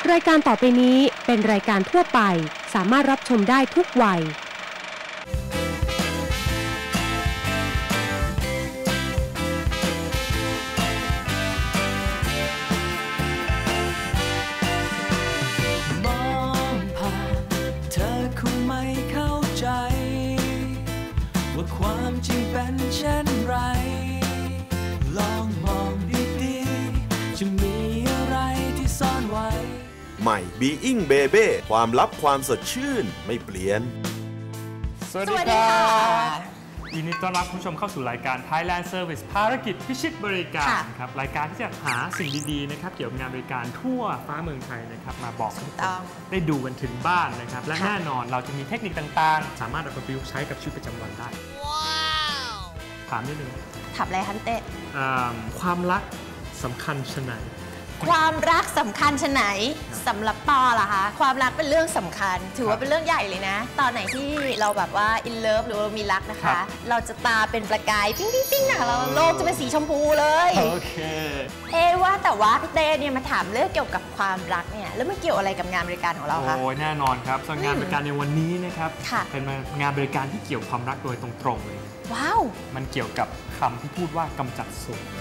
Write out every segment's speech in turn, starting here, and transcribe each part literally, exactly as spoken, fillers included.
รายการต่อไปนี้เป็นรายการทั่วไปสามารถรับชมได้ทุกวัยมองผ่านเธอคงไม่เข้าใจว่าความจริงเป็นเช่นไรลองมองดีๆจะมีอะไรที่ซ่อนไว้ใหม่ Being Baby ความลับความสดชื่นไม่เปลี่ยนสวัสดีครับยินดีต้อนรับคุณผู้ชมเข้าสู่รายการ Thailand Service ภารกิจพิชิตบริการครับรายการที่จะหาสิ่งดีๆนะครับเกี่ยวกับงานบริการทั่วฟ้าเมืองไทยนะครับมาบอกทุกคนได้ดูกันถึงบ้านนะครับและแน่นอนเราจะมีเทคนิคต่างๆสามารถเอาไปประยุกต์ใช้กับชีวิตประจำวันได้ว้าวถามนิดนึงถามอะไรคะพี่เต้ความรักสำคัญชะไหนความรักสำคัญชะไหนสำหรับปอล่ะคะความรักเป็นเรื่องสำคัญถือว่าเป็นเรื่องใหญ่เลยนะตอนไหนที่เราแบบว่าอินเลิฟหรือว่ามีรักนะคะเราจะตาเป็นประกายปิ้งปิ้งปิ้งนะคะเราโลกจะเป็นสีชมพูเลยโอเคเอ๊ว่าแต่ว่าพี่เต้เนี่ยมาถามเรื่องเกี่ยวกับความรักเนี่ยแล้วมันเกี่ยวอะไรกับงานบริการของเราคะโอ้ยแน่นอนครับส่วนงานบริการในวันนี้นะครับเป็นงานบริการที่เกี่ยวความรักโดยตรงๆเลยว้าวมันเกี่ยวกับคำที่พูดว่ากำจัดโสด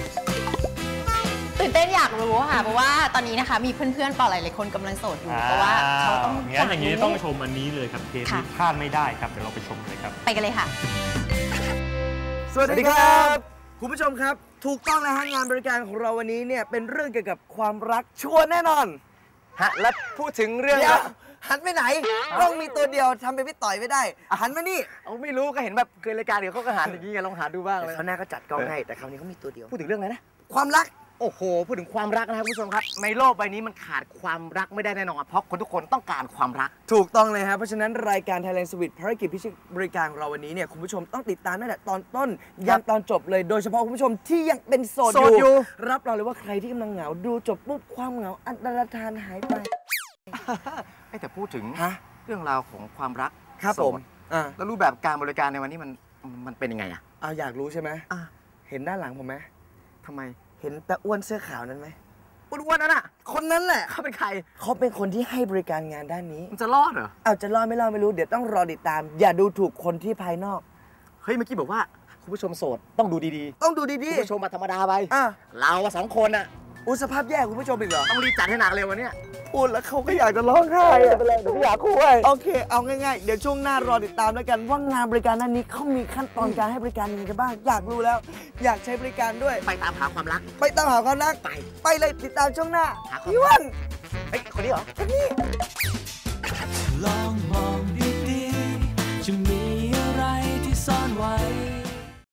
ตื่นเต้นอยากรู้ค่ะเพราะว่าตอนนี้นะคะมีเพื่อนๆปอหลายๆคนกำลังโสดอยู่เพราะว่าเขาต้องงั้นอย่างนี้ต้องชมอันนี้เลยครับเทปนี้พลาดไม่ได้ครับเดี๋ยวเราไปชมเลยครับไปกันเลยค่ะสวัสดีครับคุณผู้ชมครับถูกต้องนะฮะงานบริการของเราวันนี้เนี่ยเป็นเรื่องเกี่ยวกับความรักชัวร์แน่นอนฮะและพูดถึงเรื่องหันไปไหนต้องมีตัวเดียวทำเป็นพี่ต่อยไม่ได้หันมานี่เอาไม่รู้ก็เห็นแบบเคยรายการเดี๋ยวเขาก็หันอย่างนี้ไงลองหาดูบ้างเลยเขาหน้าก็จัดกล้องให้แต่คราวนี้เขามีตัวเดียวพูดถึงเรื่องอะไรนะความรักโอ้โหพูดถึงความรักนะครับคุณผู้ชมครับในโลกใบนี้มันขาดความรักไม่ได้แน่นอนเพราะคนทุกคนต้องการความรักถูกต้องเลยครับเพราะฉะนั้นรายการ Thailand Service ภารกิจพิชิตบริการของเราวันนี้เนี่ยคุณผู้ชมต้องติดตามตั้งแต่ตอนต้นยันตอนจบเลยโดยเฉพาะคุณผู้ชมที่ยังเป็นโสดอยู่รับรองเลยว่าใครที่กำลังเหงาดูจบปุ๊บความเหงาอันตรธานหายไปแต่พูดถึงเรื่องราวของความรักครับผมแล้วรูปแบบการบริการในวันนี้มันมันเป็นยังไงอ่ะเอาอยากรู้ใช่ไหมเห็นด้านหลังผมไหมทำไมเห็นแต่อ้วนเสื้อขาวนั้นไหมอ้วนๆนั่นน่ะคนนั้นแหละเขาเป็นใครเขาเป็นคนที่ให้บริการงานด้านนี้มันจะรอดเหรอเอาจะรอดไม่รอดไม่รู้เดี๋ยวต้องรอติดตามอย่าดูถูกคนที่ภายนอกเฮ้ยเมื่อกี้บอกว่าคุณผู้ชมโสดต้องดูดีๆต้องดูดีๆคุณผู้ชมมาธรรมดาไปเราสองคนอ่ะอุสภาพแย่คุณผู้ชมอีกเหรอต้องรีบจัดให้หนักเลยวันนี้พูดแล้วเขาก็อยากจะร้องไห้ไปเลยเดี๋ยวอยากคุยโอเคเอาง่ายๆเดี๋ยวช่วงหน้ารอติดตามแล้วกันว่างานบริการนั้นนี้เขามีขั้นตอนการให้บริการยังไงกันบ้างอยากรู้แล้วอยากใช้บริการด้วยไปตามหาความรักไปตามหาความรักไปไปเลยติดตามช่วงหน้าพี่วันเฮ้ยคนนี้เหรอคนนี้